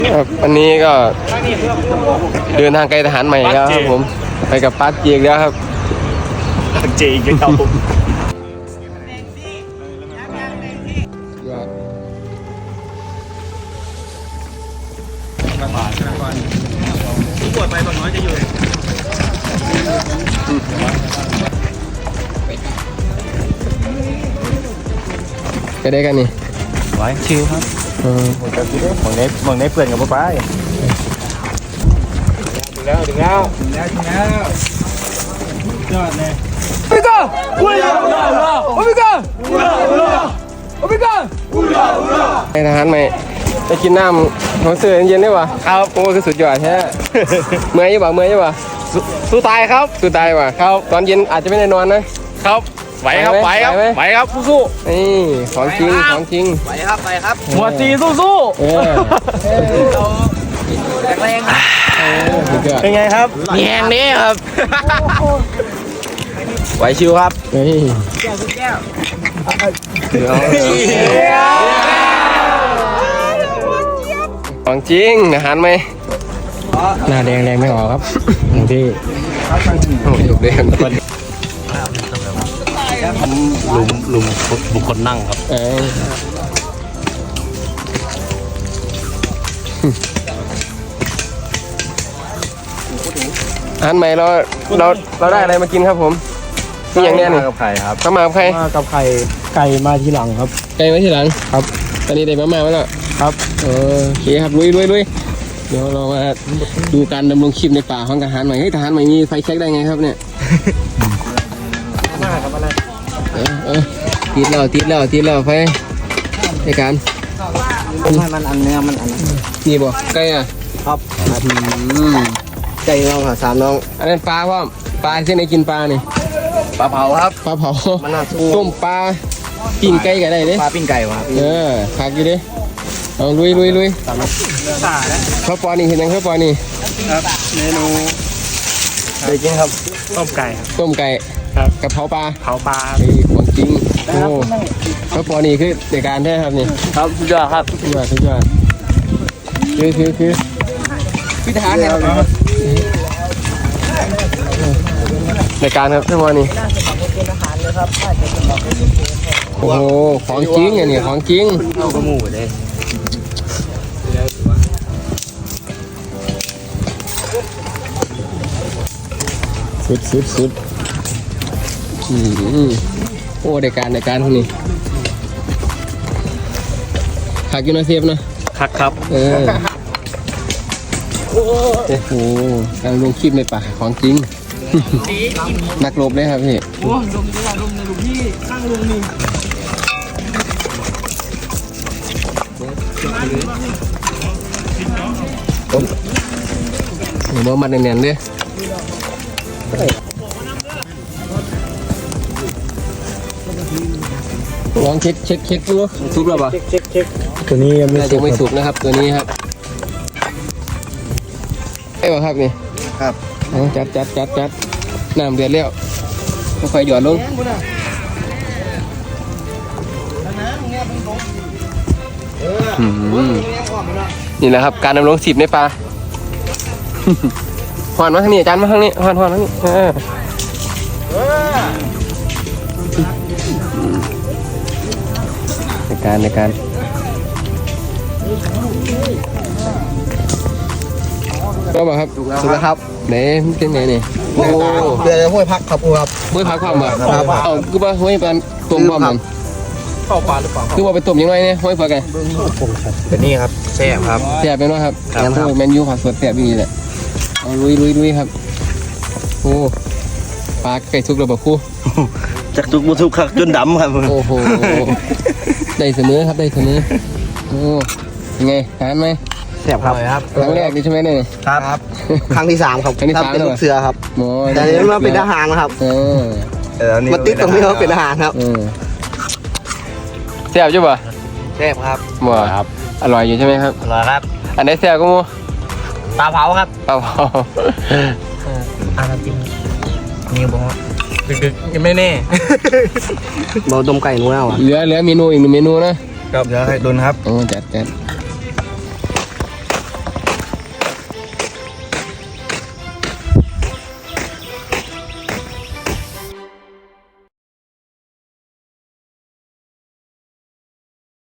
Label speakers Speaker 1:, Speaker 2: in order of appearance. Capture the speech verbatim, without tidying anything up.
Speaker 1: ครับอันนี้ก็เดินทางไกลทหารใหม่แล้วครับผมไปกับปาร์คเจียกแล้วครับ
Speaker 2: ปาร์คเจียกครับผมปวดไปบางน้อยจะอยู่
Speaker 1: ไปได้กันนี่
Speaker 2: ไว้ชิลครับเออผมจะคิดว่าผมได้ผมได้เพื่อนกับป้าป้าถึงแล้วถึงแล้วถึงแล้วถึงแล้วยอดเลยโอเมก้าอุลาอุลาอุลาโอเมก้าอุลาอุลาโอเมก้าอุลาอุลา
Speaker 1: ไปทหารใหม่ไปกินน้ำของเสือเย็นๆได้ป่ะครับโอ้คือสุดยอดแท้เมื่อยยังป่ะเมื่อยยังป่ะ
Speaker 2: สู้ตายครับ
Speaker 1: สู้ตายป่ะครับตอนเย็นอาจจะไม่ได้นอนนะครับ
Speaker 2: ไหวครับไหวครับไหวครับสู้
Speaker 1: ๆนี่ของจริงของจริง
Speaker 2: ไหวครับไหวครับหัวจีสู้ๆเออแรงเป็นไงครับแยงนี้ครับไหวชิวครับ
Speaker 1: นี่
Speaker 2: แก้วแก้ว
Speaker 1: ของจริงอาหารไหมหน้าแดงแดงไม่ออกครับหนึ่งที่โอ้ยถูกแดง
Speaker 2: ลุมลุมบุคคลนั่งครับ
Speaker 1: เอออาหารใหม่เราเราเราได้อะไรมากินครับผมนี่อย่างเนี้ยนี่
Speaker 2: กับไข่ครับ
Speaker 1: ข้าวมากับไข่
Speaker 2: มากับไข่ไก่มาทีหลังครับ
Speaker 1: ไก่มาทีหลัง
Speaker 2: ครับ
Speaker 1: ตอนนี้ได้มามาแล้ว
Speaker 2: ครับ
Speaker 1: เออโอเคครับลุยลุยลุยเดี๋ยวเรามาดูการดำรงชีพในป่าของทหารใหม่เฮ้ยทหารใหม่มีไฟแช็กได้ไงครับเนี่ย
Speaker 2: มาครับอะไร
Speaker 1: เออเออติดแล้วติดแล้วติดแล้วไฟในการ
Speaker 2: ให้มันอันเนื้อมันอัน
Speaker 1: นี่บ่ไก่อ่ะ
Speaker 2: ครับ
Speaker 1: ไก่น้องค่ะสามน้องอันนั้นปลาพ่อปลาที่ไหนกินปลานี่
Speaker 2: ปลาเผาครับ
Speaker 1: ปลาเผาต้มปลาปิ้งไก่กันได้เด้
Speaker 2: ปลาปิ้งไก่วะ
Speaker 1: เออคักอยู่ดิเอาลุยลุยลุยข้าวปอนี่เห็นยังข้าวปอนี่
Speaker 2: ครับเมนูเคยกินครับต้มไก่
Speaker 1: ต้มไก่
Speaker 2: ครับ
Speaker 1: กะเพราปลา
Speaker 2: เผาปลา
Speaker 1: ของจริงโอ้ข้าวปอนี่คือในการแท้ครับนี่
Speaker 2: ครับสุดยอดครับ
Speaker 1: สุดยอดสุดยอดคือคือคือ
Speaker 2: พิธาเนี่ย
Speaker 1: ในการครับข้าวปอนี่โอ้โหของจริงอันนี้ของจริง
Speaker 2: เอากระหมูเลย
Speaker 1: สุดสุดสุดอืมโอ้ในการในการคนนี้ขักยูนาเซฟนะ
Speaker 2: ขักครับ
Speaker 1: เออโอ้โหการลงคลิปในป่าของจริงนักรบเลยครับพี่
Speaker 2: โอ้ลงดีกว่าลงในลูกพี่ข้างลงนี่
Speaker 1: เดี๋ยวมาเนียนๆดิลองเช็คเช็คเช็คดูสุกแล้วป่ะ
Speaker 2: เช็คเช็คเช็คตัวนี้ยังไม่
Speaker 1: สุกไม่สุกนะครับตัวนี้ครับไอ้บ่ครับนี่
Speaker 2: ครับ
Speaker 1: จัดจัดจัดจัดน้ำเดือดแล้วค่อยๆหยอดลงนี่แหละครับการดำรงชีพในป่าหอนมาทางนี้อาจารย์มาทางนี้หอนหอนทางนี้ในการในการก็บอกครับ
Speaker 2: ถูกแล้วครับ
Speaker 1: ไหนเป็นไงนี่
Speaker 2: โอ้เดือดห้วยพักครับครับ
Speaker 1: ห้วยพักความบ่เอาคือว่าห้วยปลาต้มความมัน
Speaker 2: เข้าปลาหรือเปล่า
Speaker 1: คือว่าไปต้มยังไงเนี่ยห้วยพักไง
Speaker 2: เป็นนี่ครับแซ่บครับ
Speaker 1: แซ่บเป็นว่าครับโอ้แมนยูผักสดแซ่บนี่แหละเอาลุยลุยลุยครับโอ้ปลาไก่ทุกระบบคู่
Speaker 2: จากทุกบุทุกขักจนดำครับ
Speaker 1: โอ้โหได้เสมอครับได้เสมอโอ้ยังไงทานไหม
Speaker 2: แซ่บครับ
Speaker 1: ครั้งแรกนี่ใช่ไหมเนี่ย
Speaker 2: ครับครั้งที่สามครับ
Speaker 1: ครั้งที่สาม
Speaker 2: เป็นลูกเสือครับแต่นี้มาเป็นทหารครับ
Speaker 1: เออ
Speaker 2: มาติดตรงนี้ว่าเป็นทหารครับ
Speaker 1: แซ่บใช่ป่ะ
Speaker 2: แซ่บครับ
Speaker 1: บ่ครับอร่อยอยู่ใช่ไหมครับ
Speaker 2: อร่อยครับ
Speaker 1: อันไหนแซ่บก็มู
Speaker 2: ปลาเผาครับ
Speaker 1: ปลาเผา
Speaker 2: อ่าจริงนี่บอกดึกๆยังไม่แน่
Speaker 1: เราต้มไก่นู้นแล้วอ่ะเหลือเหลือเมนูอีกหนึ่งเมนูนะครับ
Speaker 2: เหลือไข่ตุนครับ
Speaker 1: โอ้จัดจัด